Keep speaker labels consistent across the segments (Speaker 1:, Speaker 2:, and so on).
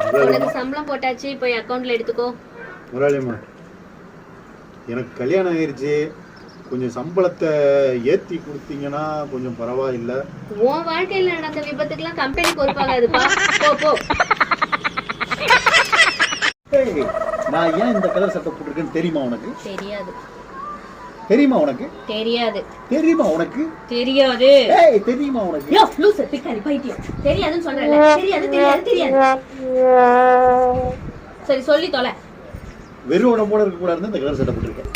Speaker 1: உனக்கு சம்பளம் போட்டாச்சு, போய் அக்கவுண்ட்ல எடுத்துக்கோ.
Speaker 2: முரளியம்மா, எனக்கு கல்யாணம் ஆயிருச்சு, கொஞ்சம் சம்பளத்தை ஏத்தி கொடுத்தீங்கன்னா கொஞ்சம் பரவாயில்ல.
Speaker 1: உன் வாழ்க்கையில நடந்த விபத்துக்கெல்லாம் கம்பெனி பொறுப்பாகாதுப்பா. போ போ.
Speaker 2: நான் ஏன் இந்த கலர் சட்டை போட்டிருக்கேன்னு தெரியுமா உனக்கு?
Speaker 1: தெரியாது.
Speaker 2: தெரியுமா உனக்கு?
Speaker 1: தெரியாது.
Speaker 2: தெரியுமா உனக்கு?
Speaker 1: தெரியாது.
Speaker 2: ஏய், தெரியுமா உனக்கு?
Speaker 1: யோ லூசு பிக்காரி பைத்தியம். தெரியாதுன்னு சொல்றேன்ல. தெரியாது தெரியாது தெரியாது. சரி சொல்லி தொலை.
Speaker 2: வெறும் உடம்போட இருக்க கூடாதுன்னு இந்த கலர் சட்டை போட்டிருக்கேன்.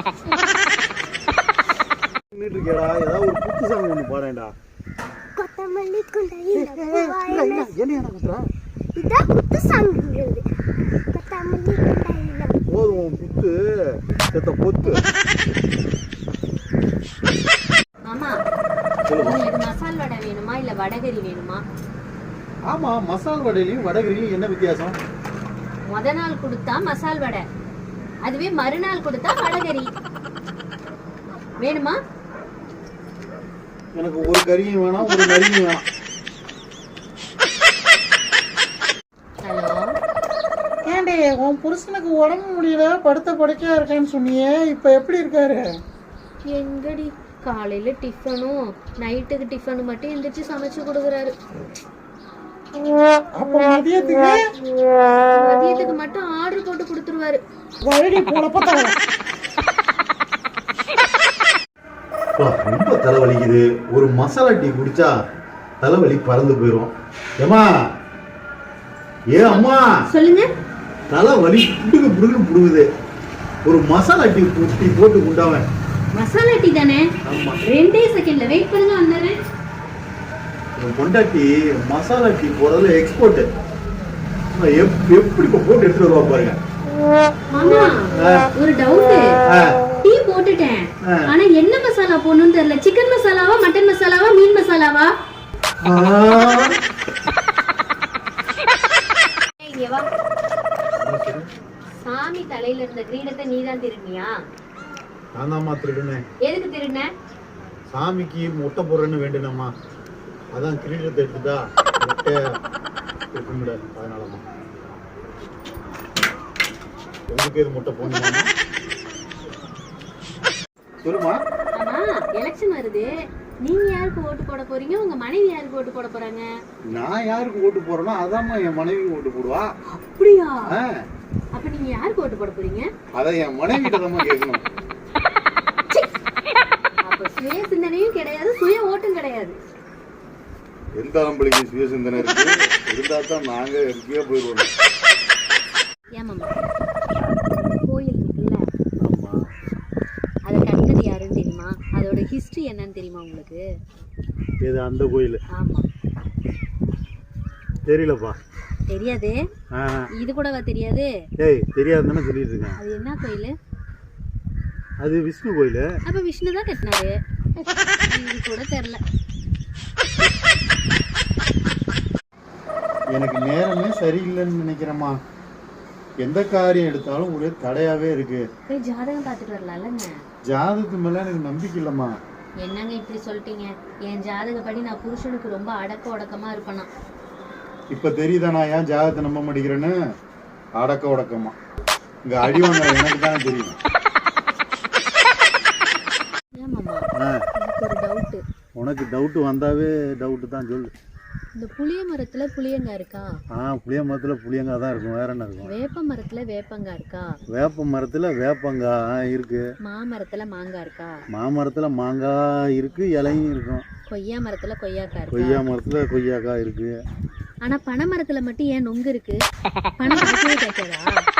Speaker 2: நின்னுட்டு இருக்கேடா, ஏதாவது ஒரு குத்து சாங் ஒன்று பாடேன்டா.
Speaker 3: கொத்தமல்லி குண்டையில
Speaker 2: என்ன குத்துறா?
Speaker 3: இதான் குத்து சாங். கொத்தமல்லி குண்டையில
Speaker 2: போதும் குத்து செத்த பொத்து.
Speaker 1: மாமா, உங்களுக்கு மசால் வடை வேணுமா இல்ல வடகரி வேணுமா?
Speaker 2: ஆமா, மசால் வடையிலையும் வடகரிலையும் என்ன வித்தியாசம்?
Speaker 1: முத நாள் கொடுத்தா மசால் வடை, அதுவே மறுநாள் கொடுத்தா வடகரி. வேணுமா?
Speaker 2: எனக்கு ஒரு கறியும் வேணாம், ஒரு நரியும் வேணாம்.
Speaker 1: ஹலோ,
Speaker 4: ஏண்டி உன் புருஷனுக்கு உடம்பு முடியல, படுத்த படுக்கையா இருக்கேன்னு சொன்னியே, இப்ப எப்படி இருக்காரு?
Speaker 1: எங்கடி காலையில டிஃபனும் நைட்டுக்கு டிஃபனும் மட்டும் எந்திரிச்சு சமைச்சு கொடுக்குறாரு.
Speaker 4: அப்ப மதியத்துக்கு
Speaker 1: மதியத்துக்கு மட்டும் ஆர்டர் போட்டு கொடுத்துருவாரு.
Speaker 4: வழி போலப்ப
Speaker 2: ரொம்ப தலைவலிக்குது. ஒரு மசாலா டீ குடிச்சா தலைவலி பறந்து போயிடும். ஏமா, ஏ அம்மா,
Speaker 1: சொல்லுங்க.
Speaker 2: தலைவலி புடுகு புடுகுன்னு புடுகுது. ஒரு மசாலா டீ போட்டு குண்டாவன்.
Speaker 1: மசாலா டீ தானே?
Speaker 2: ஆமா,
Speaker 1: 2 செகண்ட்ல வெயிட் பண்ணுங்க, வந்துடுறேன்.
Speaker 2: பொண்டாட்டி மசாலா டீ போடுறதுல எக்ஸ்போர்ட். எப்படி போட்டு எடுத்துட்டு வருவா பாருங்க.
Speaker 1: மாமா, ஒரு டவுட். டீ போட்டுட்டேன், ஆனா என்ன மசாலா போடணும்னு தெரியல. சிக்கன் மசாலாவா, மட்டன் மசாலாவா, மீன் மசாலாவா? இங்க வா. சாமி தலையில இருந்த கிரீடத்தை நீதான் திருடினியா?
Speaker 2: நான் தான்மா திருடுனேன்.
Speaker 1: எதுக்கு திருடின?
Speaker 2: சாமிக்கு முட்டை போடுறேன்னு வேண்டுனம்மா, அதான் கிரீடத்தை எடுத்துட்டா முட்டை இருக்கும்ல, அதனாலம்மா. உங்களுக்கு எது முட்டை போடணுமா? சொல்லுமா.
Speaker 1: ஆமா, எலெக்ஷன் வருது. நீங்க யாருக்கு ஓட்டு போட போறீங்க? உங்க மனைவி யாருக்கு ஓட்டு போட போறாங்க?
Speaker 2: நான் யாருக்கு ஓட்டு போறேனோ அதாம்மா என் மனைவி ஓட்டு போடுவா.
Speaker 1: அப்படியா? அப்ப நீங்க யாருக்கு ஓட்டு போட போறீங்க?
Speaker 2: அத என் மனைவி கிட்ட தான் கேட்கணும்.
Speaker 1: அப்ப சுய சிந்தனையும் கிடையாது, சுய ஓட்டும் கிடையாது.
Speaker 2: எந்த ஆம்பளைக்கு சுய சிந்தனை இருக்கு? இருந்தா தான் நாங்க எங்கேயோ போயிடுவோம்.
Speaker 1: ஏமாமா, கோயில் இருக்குல்ல,
Speaker 2: ஆமா,
Speaker 1: அதை கட்டினது யாருன்னு தெரியுமா? அதோட ஹிஸ்டரி என்னன்னு தெரியுமா உங்களுக்கு?
Speaker 2: இது அந்த கோயில்?
Speaker 1: ஆமா.
Speaker 2: தெரியலப்பா.
Speaker 1: தெரியாது? இது கூடவா தெரியாது?
Speaker 2: ஏய், தெரியாதுன்னு சொல்லிட்டு இருக்கேன்.
Speaker 1: அது என்ன கோயில்?
Speaker 2: அது விஷ்ணு கோயில்.
Speaker 1: அப்ப விஷ்ணு தான் கட்டினாரு. இது கூட தெரியல.
Speaker 2: எனக்கு நேரமே சரியில்லைன்னு நினைக்கிறேம்மா. எந்த காரியம் எடுத்தாலும் ஒரே தடையாவே இருக்கு.
Speaker 1: போய் ஜாதகம் பார்த்துட்டு வரலாம்லங்க.
Speaker 2: ஜாதகத்து மேல எனக்கு நம்பிக்கை இல்லம்மா.
Speaker 1: என்னங்க இப்படி சொல்லிட்டீங்க? என் ஜாதகப்படி நான் புருஷனுக்கு ரொம்ப அடக்க ஒடக்கமா இருப்பேனா?
Speaker 2: இப்ப தெரியுதா நான் ஏன் ஜாதகத்தை நம்ப மாட்டேங்கிறேன்னு? அடக்க ஒடக்கமா இங்க அடி வாங்குற எனக்கு தானே தெரியும்.
Speaker 1: ஏமாமா, எனக்கு ஒரு டவுட்.
Speaker 2: உனக்கு டவுட் வந்தாவே டவுட் தான், சொல்லு.
Speaker 1: இந்த புளிய மரத்துல புளியங்காய் இருக்கா?
Speaker 2: புளிய மரத்துல புளியங்காய் தான் இருக்கும், வேற என்ன இருக்கும்?
Speaker 1: வேப்ப மரத்துல வேப்பங்காய் இருக்கா?
Speaker 2: வேப்ப மரத்துல வேப்பங்காய் இருக்கு.
Speaker 1: மாமரத்துல மாங்காய் இருக்கா?
Speaker 2: மாமரத்துல மாங்காய் இருக்கு, இலையும் இருக்கும்.
Speaker 1: கொய்யா மரத்துல கொய்யாக்காய் இருக்கா?
Speaker 2: கொய்யா மரத்துல கொய்யாக்காய் இருக்கு.
Speaker 1: ஆனா பனை மரத்துல மட்டும் ஏன் நொங்கு இருக்கு? பனை காய்க்கவே காய்க்காதா?